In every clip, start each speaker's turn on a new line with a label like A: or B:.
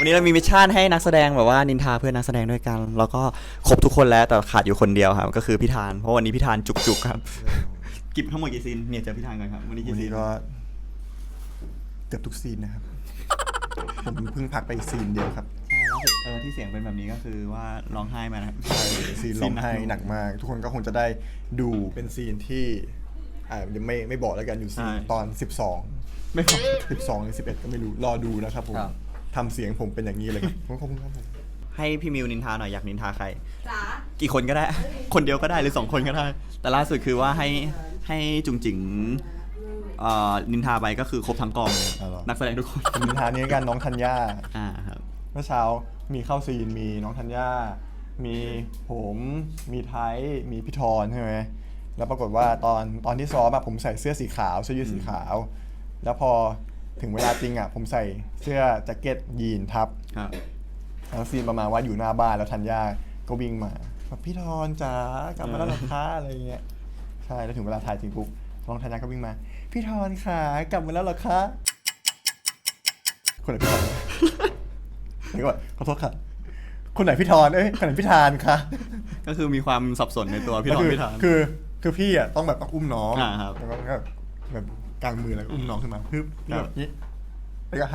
A: วันนี้เรามีมิชชั่นให้นักแสดงแบบว่านินทาเพื่อนนักแสดงด้วยกันแล้วก็ครบทุกคนแล้วแต่ขาดอยู่คนเดียวครับก็คือพี่ธานเพราะวันนี้พี่ธานจุกๆครับกิบทั้งหมดกี่ซีนเนี่ยเจอพี่ธานก่อนครับวันนี้กี่ซีน
B: ก็เกือบทุกซีนนะครับผมเพิ่งพักไปซีนเดียวครับ
A: ใช่แล้วที่เสียงเป็นแบบนี้ก็คือว่าร้องไห้มานะครับ
B: ใช่ซีนร้องไห้หนักมากทุกคนก็คงจะได้ดูเป็นซีนที่ยังไม่บอกแล้วกันอยู่ซีนตอน12
A: ไม่พอ
B: 12หรือ11ก็ไม่รู้รอดูนะครับผมทำเสียงผมเป็นอย่างนี้เลยขอบคุณครับผม
A: ให้พี่มิวนินทาหน่อยอยากนินทาใครกี่คนก็ได้คนเดียวก็ได้หรือ2คนก็ได้แต่ล่าสุดคือว่าให้จุงจิ๋งนินทาไปก็คือครบทั้งกองเลยนักแสดงทุกคน
B: นินทานี้กันน้องธัญญา
A: ครับ
B: เมื่อเช้ามีเข้าซีนมีน้องธัญญามีผมมีไทยมีพี่ธรใช่ไหมแล้วปรากฏว่าตอนที่ซ้อมผมใส่เสื้อสีขาวเสื้อยืดสีขาวแล้วพอถึงเวลาจริงผมใส่เสื้อแจ็คเก็ตยีนทับแล้วซีนประมาณว่าอยู่หน้าบ้านแล้วธัญญาก็วิ่งมาพี่ธรจ๋ากลับมาแล้วหรอคะอะไรเงี้ยใช่แล้วถึงเวลาถ่ายจริงปุ๊บน้องธัญญาก็วิ่งมาพี่ธรค่ะกลับมาแล้วหรอคะคนไหนพี่ธรเดี๋ยวก่อนขอโทษค่ะคนไหนพี่ธรคนไหนพี่ธานคะ
A: ก็คือมีความสับสนในตัวพี่ธรพี่ธาน
B: คือพี่ต้องแบบต้องอุ้มน้องแล้วก็แบบกลางมือแล้วอุ้มน้องขึ้นมาปึ๊บแบบนี้แล้วก็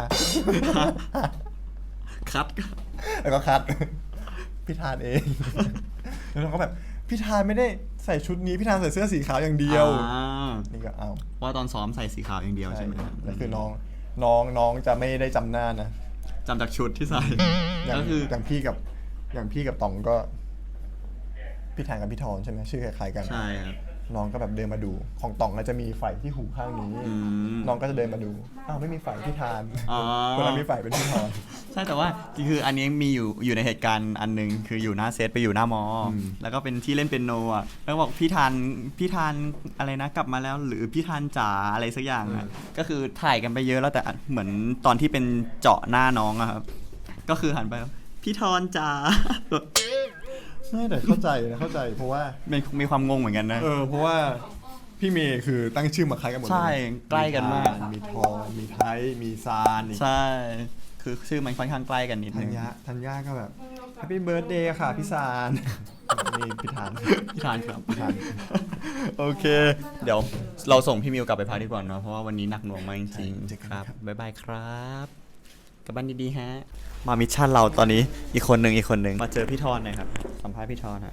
A: คัด
B: แล้วก็คัดพี่ธานเองแล้วน้องก็แบบพี่ธานไม่ได้ใส่ชุดนี้พี่ธานใส่เสื้อสีขาวอย่างเดียวนี่ก็เอา
A: ว่าตอนซ้อมใส่สีขาวอย่างเดียวใช่ไหม
B: แล้วคือน้องจะไม่ได้จำหน้านะ
A: จำจากชุดที่ใส่
B: ก็คืออย่างพี่กับต๋องก็พี่ธานกับพี่ธรใช่ไหมชื่อคล้ายๆกัน
A: ใช่ครับ
B: น้องก็แบบเดินมาดูของต๋องก็จะมีไฝที่หูข้างนี้น้องก็จะเดินมาดูไม่มีไฝพี่ธานคนนั้นมีไฝเป็นพี่ธร
A: ใช่แต่ว่าคืออันนี้มีอยู่ในเหตุการณ์อันนึงคืออยู่หน้าเซตไปอยู่หน้ามอแล้วก็เป็นที่เล่นเปียโนแล้วบอกพี่ธานอะไรนะกลับมาแล้วหรือพี่ธานจ๋าอะไรสักอย่างก็คือถ่ายกันไปเยอะแล้วแต่เหมือนตอนที่เป็นเจาะหน้าน้องครับก็คือหันไปพี่ธรจ๋า
B: ไม่แต่เข้าใจเพราะว่า
A: มีความงงเหมือนกันนะ
B: เพราะว่าพี่เมย์คือตั้งชื่อมาคล้ายกันหมด
A: ใช่ใกล้กันมาก
B: มีทอมีไทยมีซาน
A: ใช่คือชื่อมันค่อนข้างใกล้กันนิดนึง
B: ธัญญาก็แบบ Happy Birthday ค่ะพี่ซานนี่พี่ธาน
A: ครับโอเคเดี๋ยวเราส่งพี่มิวกลับไปพักดีกว่าเนาะเพราะว่าวันนี้หนักหน่วงมากจริงๆครับบ๊ายบายครับกลับบ้านดีๆฮะมามิชชั่นเราตอนนี้อีกคนหนึ่งมาเจอพี่ธรหน่อยครับสัมภาษณ์พี่ธรฮะ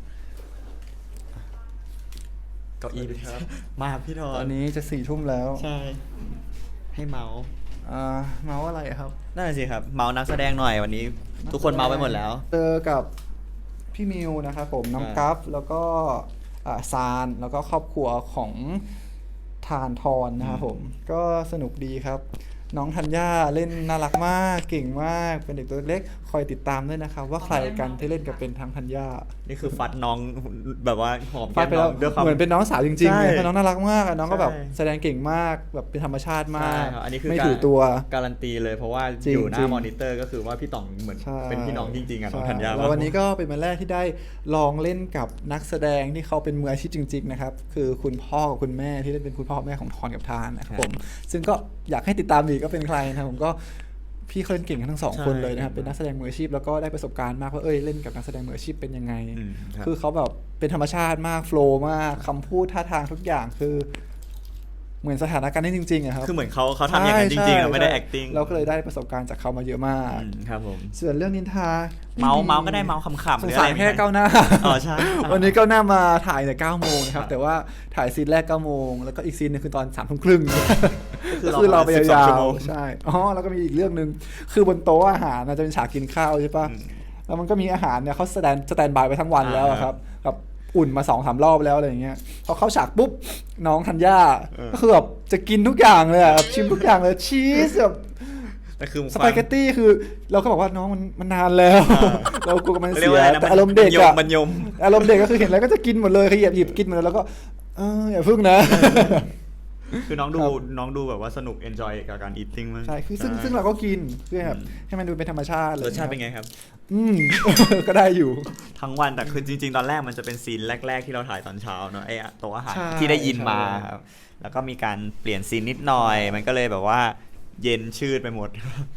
A: เก้าอี้มาพี่ธร
B: ตอนนี้จะ4 ทุ่มแล้ว
A: ใช่ให้เมาส์
B: อะไรครับ
A: นั่นสิครับเมาส์นักแสดงหน่อยวันนี้ทุกคนเมาส์ไปหมดแล้ว
B: เจอกับพี่มิวนะครับผมน้องกัฟแล้วก็ซานแล้วก็ครอบครัวของธานทรนะครับผมก็สนุกดีครับน้องธัญญาเล่นน่ารักมากเก่งมากเป็นเด็กตัวเล็กคอยติดตามด้วยนะครับว่าใครกันที่เล่นกับเป็นทางธัญญา
A: นี่คือฟัดน้องแบบว่าหอม
B: แก้มน้องเหมือนเป็นน้องสาวจริงๆเลยเพราะน้องน่ารักมากน้องก็แบบแสดงเก่งมากแบบเป็นธรรมชาติมากไม่ถือตัว
A: การันตีเลยเพราะว่าอยู่หน้ามอนิเตอร์ก็คือว่าพี่ต๋องเหมือนเป็นพี่น้องจริงๆน้องธัญญา
B: แล้ววันนี้ก็เป็นวันแรกที่ได้ลองเล่นกับนักแสดงที่เขาเป็นมืออาชีพจริงๆนะครับคือคุณพ่อกับคุณแม่ที่เล่นเป็นคุณพ่อแม่ของทรกับทานนะครับผมซึ่งก็อยากให้ติดตามดีก็เป็นใครนะผมก็พี่เขาเล่นเก่งทั้ง2 คนเลยนะครับเป็นนักแสดงมืออาชีพแล้วก็ได้ประสบการณ์มากว่าเล่นกับนักแสดงมืออาชีพเป็นยังไงคือเขาแบบเป็นธรรมชาติมากโฟล์มากคำพูดท่าทางทุกอย่างคือเหมือนสถานการณ์นี้จริงๆอะครับ
A: คือเหมือนเขาทำอย่างนั้นจริงๆเราไม่ได้ acting
B: เราก็เลยได้ประสบการณ์จากเขามาเยอะมาก
A: ครับผม
B: ส่วนเรื่องนินทา
A: เมาก็ได้เมาขำๆ
B: สงสารแค่ก้าวหน้า
A: ใช่
B: วันนี้ก้าวหน้ามาถ่ายแต่9 โมงนะครับแต่ว่าถ่ายซีนแรก9 โมงแล้วก็อีกซีนนึงคือตอน3 ทุ่มครึ่งก็คือเราไปยาวๆใช่แล้วก็มีอีกเรื่องนึงคือบนโต๊ะอาหารจะเป็นฉากกินข้าวใช่ปะแล้วมันก็มีอาหารเนี่ยเขาสแตนบายไปทั้งวันแล้วครับกับอุ่นมา 2-3 รอบแล้วอะไรอย่างเงี้ยพอเข้าฉากปุ๊บน้องธัญญาก็คือแบบจะกินทุกอย่างเลยชิมทุกอย่างเลยชีสแบบสปาเกตตี้คือเราก็บอกว่าน้องมันนานแล้วเรากลัวมันเสียแต่อารมณ์เด็กอะอารมณ์เด็กก็คือเห็นอะไรก็จะกินหมดเลยขยิบกินหมดแล้วก็อย่าพึ่งนะ
A: คือน้องดูแบบว่าสนุก enjoy กับการ eating มาก
B: ใช่คือซึ่งเราก็กินเพื่อแบบให้มันดูเป็นธรรมชาติ
A: รสชาติเป็นไงครับ
B: ก็ได้อยู่
A: ทั้งวันแต่คือจริงๆตอนแรกมันจะเป็นซีนแรกๆที่เราถ่ายตอนเช้าเนาะไอ้โต๊ะอาหารที่ได้ยินมาครับแล้วก็มีการเปลี่ยนซีนนิดหน่อยมันก็เลยแบบว่าเย็นชืดไปหมด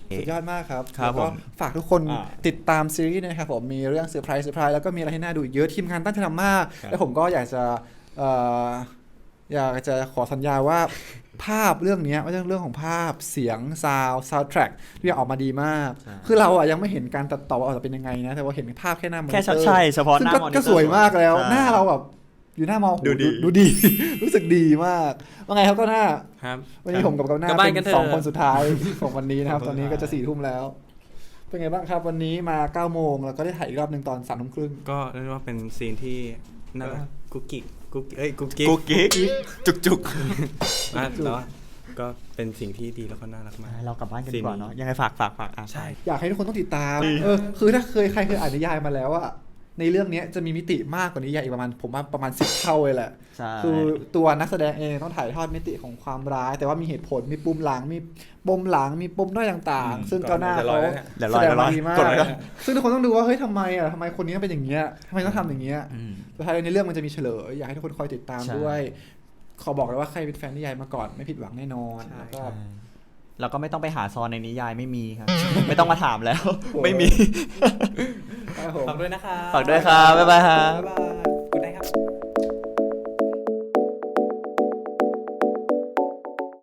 B: สุดยอดมากครับ
A: ครับ
B: แล้วก็
A: ผม
B: ฝากทุกคนติดตามซีรีส์นะครับผมมีเรื่องเซอร์ไพรส์แล้วก็มีอะไรให้น่าดูอีกเยอะทีมงานตั้งใจทำมาก และผมก็อยากจะขอสัญญาว่าภาพเรื่องนี้ไม่ใช่เรื่องของภาพเสียงซาวด์แทร็กที่ออกมาดีมาก คือเราอ่ะยังไม่เห็นการตัดต่อว่าออกมาเป็นยังไงนะแต่ว่าเห็นภาพแค่หน้ามอนิเตอร์
A: แค่ใช่เฉพาะ
B: ซึ่
A: ห
B: ง
A: น้ามอนิเตอร์
B: ก็สวยมากแล้ว
A: ใช่
B: หน้าเราแบบอยู่หน้ามอ
A: ดูดี
B: ดูดี รู้สึกดีมากว่าไงครับก็หน้า
C: ครับ
B: วันนี้ผมกับหน้าก
C: ลับบ้าน
B: เป็
C: กัน
B: น
C: เถอะ
B: 2 คนสุดท้าย ของวันนี้นะครับ ตอนนี้ก็จะ4 ทุ่มแล้ว เป็นไงบ้างครับวันนี้มา9 โมงแล้วก็ได้ถ่ายอีกรอบหนึ่งตอน3 ทุ่มครึ่ง
C: ก็เรียกว่าเป็นซีนที่น่ารักกุ๊กกิ๊กกุ๊กกิ๊
A: กุ๊กกิ๊กจุก
C: อ่ะแล้วก็เป็นสิ่งที่ดีแล้วก็น่ารักมาก
A: ๆเรากลับบ้านกันดีกว่าเนาะยังไงฝากอ่ะ
C: ใช่
B: อยากให้ทุกคนต้องติดตามคือถ้าใครเคยอ่านนิยายมาแล้วอะในเรื่องนี้จะมีมิติมากกว่านิยายอีกผมว่าประมาณ10 เท่าเลยแหละ
A: ใช่
B: คือตัวนักแสดงเองต้องถ่ายทอดมิติของความร้าย แต่ว่ามีเหตุผลมีปุ่มหลังมีปมหลังมีปมด้อยต่างๆ ซึ่งก้าวหน้าเขา
A: เดี๋ยว
B: แส
A: รอ
B: ดง
A: เดี๋ยวร
B: มา
A: อ
B: ดีมาก
A: กดไว้ก่อน
B: ซึ่งทุกคนต้องดูว่าเฮ้ยทำไมคนนี้เป็นอย่างเงี้ยทำไมต้องทำอย่างเงี้ย
A: อืม
B: สุดท้ายในเรื่องมันจะมีเฉลยอยากให้ทุกคนคอยติดตาม
A: ใช่
B: ด้วย ขอบอกเลยว่าใครเป็นแฟนนิยายมาก่อนไม่ผิดหวังแน่นอน
C: ใช่
B: แล้วก็
A: แล้วก็ไม่ต้องไปหาซอนในนิยายไม่มีครับ ไม่ต้องมาถามแล้ว ไม่มี
B: ครับผม
C: ฝากด้วยนะคะ
A: ฝากด้วยครับบ๊ายบายครับ
B: บ๊ายบาย